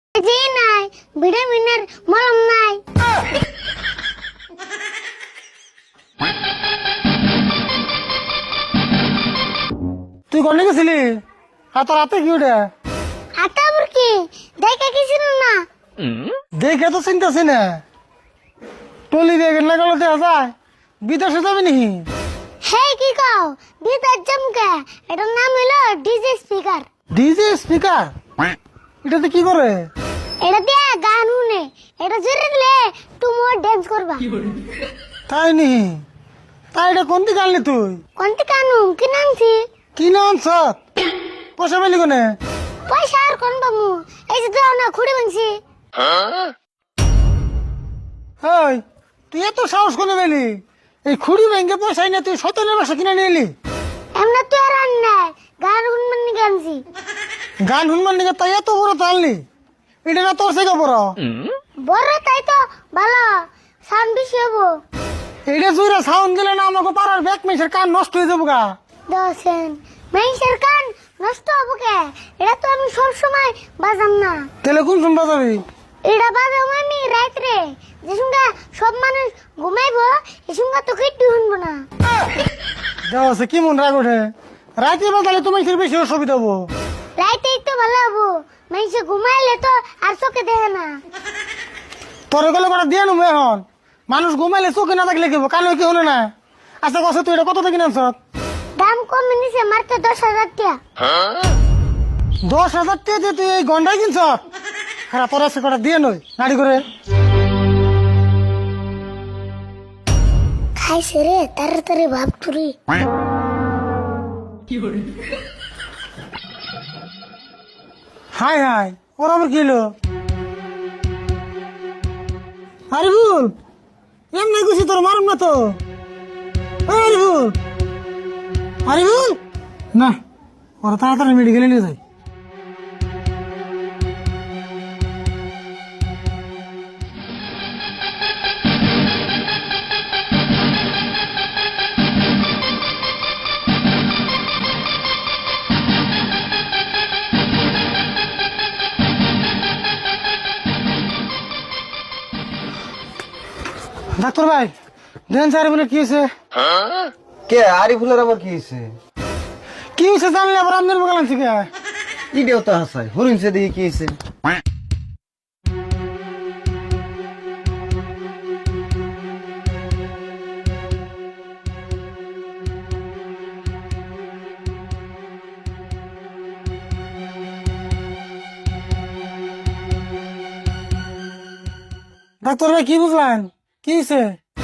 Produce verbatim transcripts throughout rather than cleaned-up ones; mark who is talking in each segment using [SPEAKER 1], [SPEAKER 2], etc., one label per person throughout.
[SPEAKER 1] জি নাই, ভিটামিনের মলম নাই।
[SPEAKER 2] তুই কোনে গেছিলি? হাত রাতে কি ওটা?
[SPEAKER 1] হাতে আবার কি? দেখে কিছু না।
[SPEAKER 2] দেখে তো চিন্তাছি না। টলি দিয়ে গেলে গেল দেওয়া যায়, বিদেশে যাবি নাকি?
[SPEAKER 1] হে কি কও? বিদার জমকে। এটার নাম হলো ডিজে স্পিকার।
[SPEAKER 2] ডিজে স্পিকার এটাতে কি করে?
[SPEAKER 1] এটা দিয়ে গান শুনে। এটা জোরে দিলে তুমি ডান্স করবা।
[SPEAKER 2] তাই নি? তাই এটা কোন দিকে আনলি তুই?
[SPEAKER 1] কোনটি কানু কি নামছি?
[SPEAKER 2] কি না আনছ? পয়সা পেলি কোনে?
[SPEAKER 1] পয়সা আর কোন বামু? এই যে দাও না খুঁড়ে ভাঙছি।
[SPEAKER 2] ওই তুই এত সাহস করে পেলি? এই খুঁড়ি ব্যাংকে পয়সা নিয়ে তুই সতেরো বছর কিনে নিয়ে এলি?
[SPEAKER 1] এমনা তো আর আন নাই। গান শুনবেন নি গানছি।
[SPEAKER 2] গান শুনবার নিকে তাই এত বড় তাললি? এটা না তোর থেকে বড়?
[SPEAKER 1] বড় তাই তো ভালো সাউন্ড বেশি হবো।
[SPEAKER 2] এটা জুড়ে সাউন্ড দিলে না আমাকে পাড়ার ব্যাক মেসের কান নষ্ট হয়ে যাবো গা।
[SPEAKER 1] দশেন মেইসের কান নষ্ট হবো কে? এটা তো আমি সব সময় বাজাম না।
[SPEAKER 2] তাহলে কোন শুনবা যাবি?
[SPEAKER 1] এটা বাজাম আমি রাত্রে, যে সঙ্গে সব মানুষ ঘুমাইবো এই সঙ্গে তো কেটে শুনবো না।
[SPEAKER 2] দেওয়া আছে কি মন রাগ ওঠে? রাতে বাজালে তোমার বেশি অসুবিধা হবো।
[SPEAKER 1] রাইতেই তো ভালো হবো, মেইসে ঘুমাইলে তো আর চোখে দেখে না।
[SPEAKER 2] তোর গেলে কটা দিয়ে নেবো এখন। মানুষ ঘুমাইলে চোখে না থাকলে কেবো, কানে কি হলো না? আচ্ছা কছে তুই এটা কত থেকে কিনছ?
[SPEAKER 1] দাম কমে নিছে মাত্র দশ হাজার টাকা।
[SPEAKER 2] দশ হাজার টাকা দিয়ে তুই এই গন্ডাই কিনছ? হ্যাঁ তোর আছে কটা দিয়ে নই নাড়ি করে।
[SPEAKER 1] খাইছে রে তাড়াতাড়ি ভাব তুরি।
[SPEAKER 2] হাই হাই ওর আবার কি হলো? আরিফুল এমনি গুছি তোর মারুম না তো। ওই আরিফুল, আরিফুল না, ওরা তাড়াতাড়ি মেডিকেলে নিয়ে যায়। ডাক্তার ভাই দেন স্যার বলে কি হয়েছে?
[SPEAKER 3] কে আরিফুলের আবার কি হয়েছে?
[SPEAKER 2] কি হয়েছে জানলে আবার আপনার বগালাম থেকে?
[SPEAKER 3] ইডিও তো হাসাই হরিণছে দেখি কি হয়েছে।
[SPEAKER 2] ডাক্তার ভাই কি বুঝলেন? কি হয়েছে?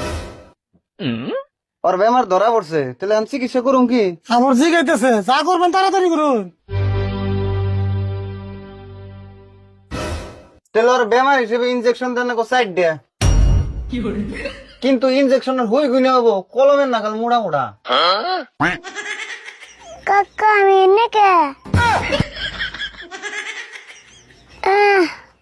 [SPEAKER 3] ওর বেমার ধরা পড়ছে, তাহলে আমি চিকিৎসা করুম কি?
[SPEAKER 2] আবার জিগাইতেছে, যা করবেন তাড়াতাড়ি করুন।
[SPEAKER 3] তাহলে ওর বেমার হিসেবে ইনজেকশন দেন না সাইড দেয়া, কিন্তু ইনজেকশনের হই গুনে হবো কলমের নাগাল মোড়া মোড়া।
[SPEAKER 1] কাকা আমি এনে কে? আহ,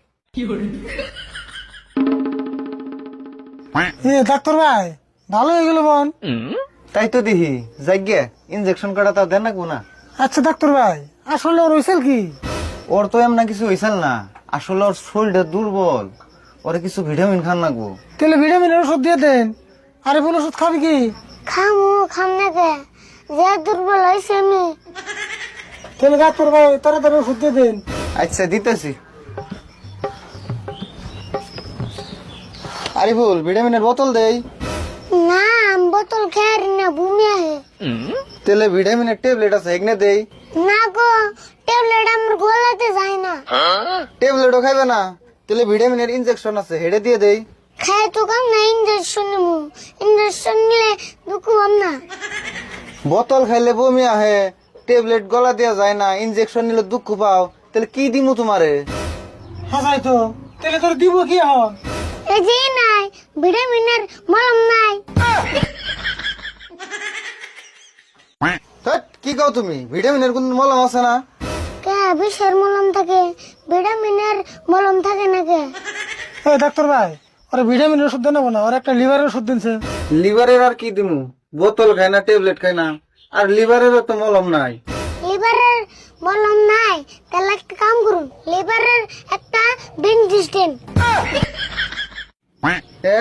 [SPEAKER 2] এ ডাক্তার ভাই ভালো হয়ে গেল বোন।
[SPEAKER 3] তাই তো দেখি যাইগে ইনজেকশন কাটা তা দেন না গুনা।
[SPEAKER 2] আচ্ছা ডাক্তার ভাই আসলে ওর হয়েছিল কি?
[SPEAKER 3] ওর তো এমন কিছু হয়েছিল না, আসলে ওর শরীরটা দুর্বল, ওরে কিছু ভিটামিন খান লাগবো।
[SPEAKER 2] তাহলে ভিটামিনের ওষুধ দিয়ে দেন। আরে বোন ওষুধ খাবি কি?
[SPEAKER 1] খামু খাম না কে? যে দুর্বল হয়েছে আমি।
[SPEAKER 2] তাহলে ডাক্তার ভাই তাড়াতাড়ি ওষুধ দিয়ে দেন।
[SPEAKER 3] আচ্ছা দিতেছি। আরিফুল ভিটামিনের বোতল দেই।
[SPEAKER 1] না আমি বোতল খেয়ে না বমি আহে।
[SPEAKER 3] তাহলে ভিটামিনের ট্যাবলেট আছে এগনে দেই।
[SPEAKER 1] না গো, ট্যাবলেট আমার গলাতে যায় না।
[SPEAKER 3] ট্যাবলেটও খাইবে না? তাহলে ভিটামিনের ইনজেকশন আছে হেডে দিয়ে দেই।
[SPEAKER 1] খাই তো কাম না, ইঞ্জেকশন নিবো। ইঞ্জেকশন নিলে দুঃখ হম না।
[SPEAKER 3] বোতল খাইলে বমি আহে, ট্যাবলেট গলা দেওয়া যায় না, ইনজেকশন নিলে দুঃখ পাও, তাহলে কি দিমু তোমারে?
[SPEAKER 2] হাসাই তো তাহলে তোর দিব কি এখন?
[SPEAKER 1] এই যে নাই, ভিটামিনের মলম নাই।
[SPEAKER 3] ধ্যাৎ, কি কও তুমি? ভিটামিনের কোন মলম আছে না?
[SPEAKER 1] কে বিষের মলম থাকে, ভিটামিনের মলম থাকে না কে?
[SPEAKER 2] এই ডাক্তার ভাই ওরা ভিটামিনের ওষুধ দেন না, ওর একটা লিভারের ওষুধ দিনছে।
[SPEAKER 3] লিভারের আর কি দিমু? বোতল খাই না, ট্যাবলেট খাই না, আর লিভারেরও তো মলম নাই।
[SPEAKER 1] লিভারের বললাম নাই তাহলে একটা কাম করুন লেবারের একটা বেঞ্চিস দেন।
[SPEAKER 3] এ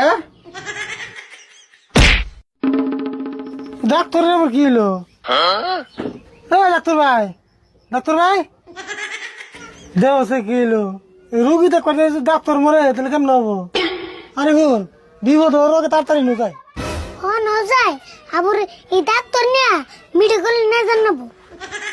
[SPEAKER 2] ডাক্তারের আবার কি হলো? এ ডাক্তার ভাই, ডাক্তার ভাই, দেওয়া কি হলো? রুগী তো করে ডাক্তার মরে তাহলে কেমন হবো? আরে বোন বিপদ ওর আগে তাড়াতাড়ি নুকায়।
[SPEAKER 1] হ ন যায় আবার এই ডাক্তার নিয়ে মেডিকেল না জানাবো।